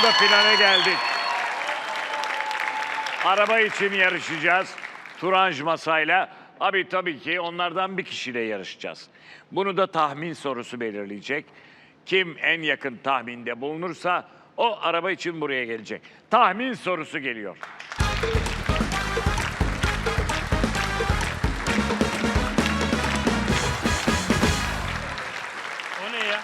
anda finale geldik. Araba için yarışacağız. Turanj masayla. Abi tabii ki onlardan bir kişiyle yarışacağız. Bunu da tahmin sorusu belirleyecek. Kim en yakın tahminde bulunursa o araba için buraya gelecek. Tahmin sorusu geliyor. O ne ya?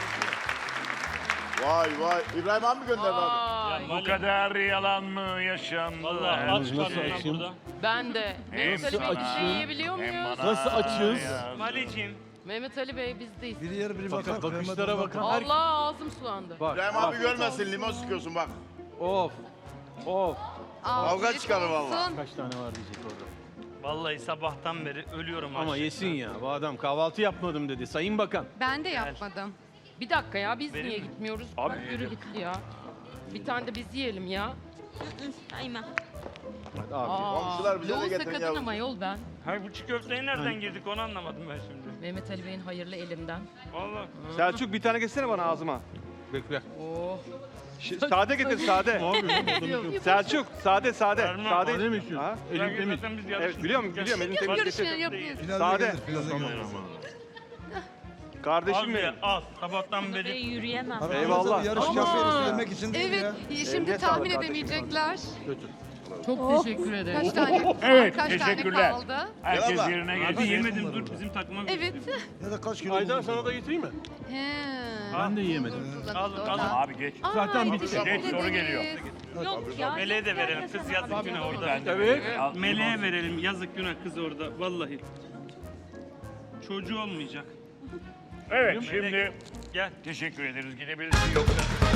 Vay vay. İbrahim abi mi gönderdi abi? Bu kadar yalan mı yaşandı? Vallahi aç karnına burada. Ben de. Mehmet Ali Bey bir şey yiyebiliyor muyuz? Nasıl açığız? Malicim. Mehmet Ali Bey bizdeyiz. Bir yer bir bakar. Bakışlara bakın. Allah ağzım sulandı. Bak, İbrahim abi görmesin, limon sıkıyorsun bak. of. Of. Kavga çıkarır vallahi. Kaç tane var diyecek orada. Vallahi sabahtan beri ölüyorum Ama açlıktan. yesin ya. Bu adam kahvaltı yapmadım dedi. Sayın Bakan. Ben de yapmadım. Bir dakika ya biz Verir niye mi? gitmiyoruz? Abi, Bak yürü git ya. Bir tane de biz yiyelim ya. Aynen. Hadi abi. Komşular bize de Loğusa getirin kadın yavrum. ama yol ben. Hayır bu çiğ köfteye nereden girdik onu anlamadım ben şimdi. Mehmet Ali Bey'in hayırlı elimden. Vallahi. Selçuk bir tane getirsene bana ağzıma. Bekle. Oh. Sade getir sade. Selçuk sade sade. Vermem. Sade. Sade mi istiyorsun? Ha? Elim temiz. Biz Evet biliyorum biliyorum elini temiz getir. Finalde Sade. gelir. Finalde gelir. Kardeşim Abi benim. al sabahtan beri. Yürüyemem. Abi, Eyvallah. Yarış Ama- yapıyoruz yemek için değil Evet, ya. şimdi Eline tahmin sağlık edemeyecekler. Çok teşekkür ederim. Kaç tane? Evet, kaç teşekkürler. tane kaldı? Herkes Gel abla. yerine Abi gelsin. yemedim dur bizim takıma bir Evet. Ya da kaç kilo Aydan bulundu? sana da getireyim mi? He. Ben de yiyemedim. Al, al. Abi geç. Zaten bitti. teşekkür Geç, soru ederiz. geliyor. Yok ya. Meleğe de verelim kız yazık günah orada. Ben de Evet. Al, Meleğe verelim yazık günah kız orada vallahi. Çocuğu olmayacak. Evet şimdi Gel. teşekkür ederiz. Gidebilirsin yoksa.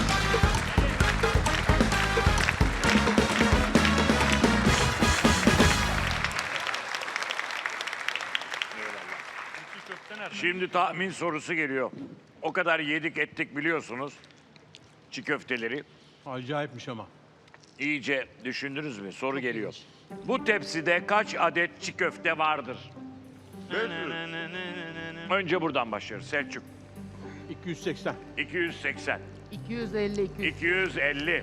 Çiğ köfte nerede? Şimdi tahmin sorusu geliyor. O kadar yedik ettik biliyorsunuz. Çiğ köfteleri. Acayipmiş ama. İyice düşündünüz mü? Soru geliyor. Bu tepside kaç adet çiğ köfte vardır? Önce buradan başlıyoruz. Selçuk. 280. 280. 250 200. 250.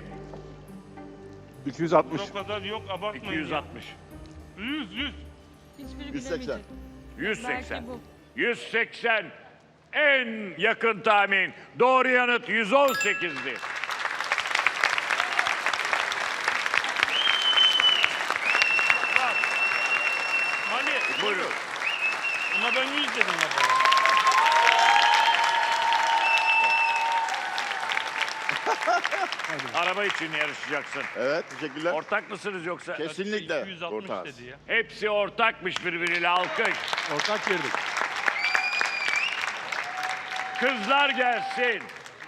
260. O kadar yok abartmayın. 260. 100 100. Hiçbiri 180. bilemeyecek. 180. Belki bu. 180. En yakın tahmin. Doğru yanıt 118'di. Mali. Buyurun. Ama ben 100 dedim baba. Araba için yarışacaksın. Evet teşekkürler. Ortak mısınız yoksa? Kesinlikle. 260 Ortağız. dedi ya. Hepsi ortakmış birbiriyle. Alkış. Ortak girdik. Kızlar gelsin.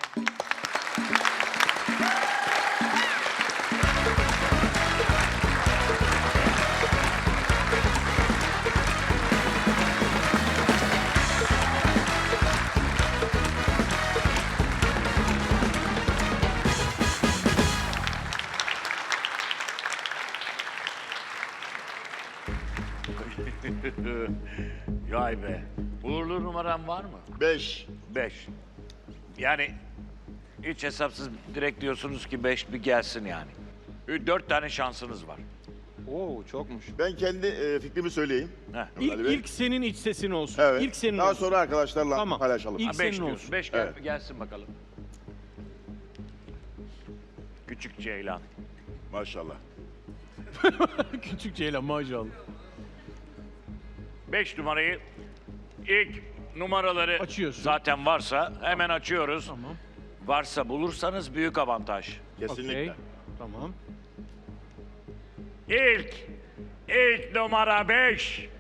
Vay be. Uğurlu numaran var mı? 5. 5. Yani hiç hesapsız direkt diyorsunuz ki 5 bir gelsin yani. 4 tane şansınız var. Oo çokmuş. Ben kendi fikrimi söyleyeyim. Heh. Ali Bey. İlk senin iç sesin olsun. Evet. İlk senin Daha olsun. sonra arkadaşlarla Tamam. paylaşalım. İlk Ha, 5 senin diyorsun. olsun. 5 Evet. gelsin bakalım. Küçük Ceylan. Maşallah. Küçük Ceylan maşallah. 5 numarayı ilk numaraları Açıyorsun. zaten varsa hemen açıyoruz. Tamam. Varsa bulursanız büyük avantaj. Kesinlikle. Okey. Tamam. İlk numara 5.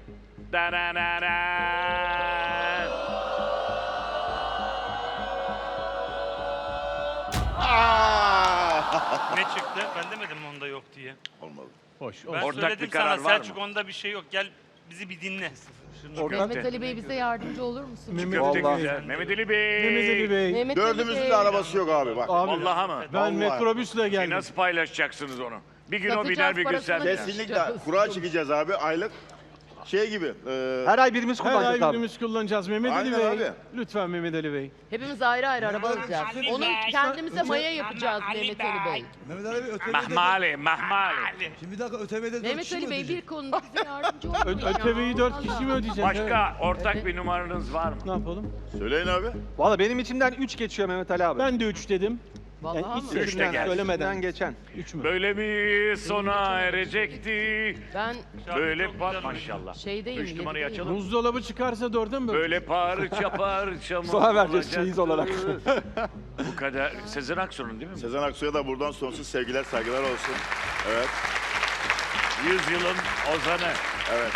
Ne çıktı? Ben demedim mi onda yok diye. Olmadı. Hoş. Ben hoş. Ortak söyledim bir karar sana var Selçuk mı? onda bir şey yok. Gel bizi bir dinle. Mehmet Ali Bey bize yardımcı olur musun? Mehmet Köfte Vallahi. güzel. Mehmet Ali Bey. Mehmet Ali Bey. Mehmet Ali Dördümüzün Bey. de arabası yok abi bak. Abi Vallahi mı? ben Vallahi. metrobüsle geldim. Nasıl paylaşacaksınız onu? Bir gün o Satacağız biner bir gün sen parasını. biner. Kesinlikle kura çekeceğiz abi aylık. Şey gibi. Her ay birimiz Her ay kullanacağız abi. birimiz kullanacağız Mehmet Ali Aynen Bey. abi. Lütfen Mehmet Ali Bey. Hepimiz ayrı ayrı araba alacağız. Onu kendimize maya yapacağız Mehmet Ali Bey. Mehmet Ali Bey ÖTV'de... Mahmali, mahmali. Şimdi bir dakika ÖTV'de 4 Mehmet kişi mi Ali Bey ödeyecek? bir konuda bize yardımcı olur mu ya? ÖTV'yi 4 kişi mi ödeyecek? Evet. Başka ortak bir numaranız var mı? Ne yapalım? Söyleyin abi. Valla benim içimden 3 geçiyor Mehmet Ali abi. Ben de 3 dedim. Vallahi Yani hiç mi? Üç de sesimden gelsin. söylemeden. geçen. 3 mü? Böyle mi sona erecekti? Ben Böyle maşallah. şeydeyim. 3 numarayı yedideyim. açalım. Buzdolabı çıkarsa 4'e mi böleceğiz? Böyle parça parça mı Sonra vereceğiz olacaktı? çeyiz olarak. Bu kadar. Sezen Aksu'nun değil mi? Sezen Aksu'ya da buradan sonsuz sevgiler, saygılar olsun. Evet, 100 yılın ozanı. evet.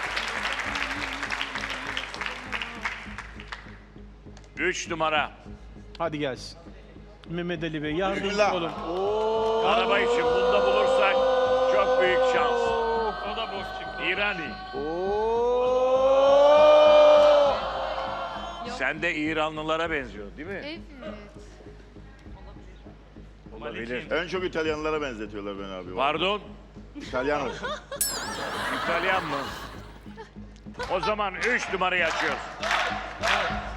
Üç numara. Hadi gelsin. Mehmet Ali Bey yardımcı Bismillah. olun. Araba için bunda bulursak çok büyük şans. O da boş çıktı. İrani. Sen de İranlılara benziyorsun değil mi? Evet. Olabilir. En çok İtalyanlara benzetiyorlar beni abi. Pardon, İtalyan olsun. İtalyan mı? O zaman 3 numarayı açıyoruz.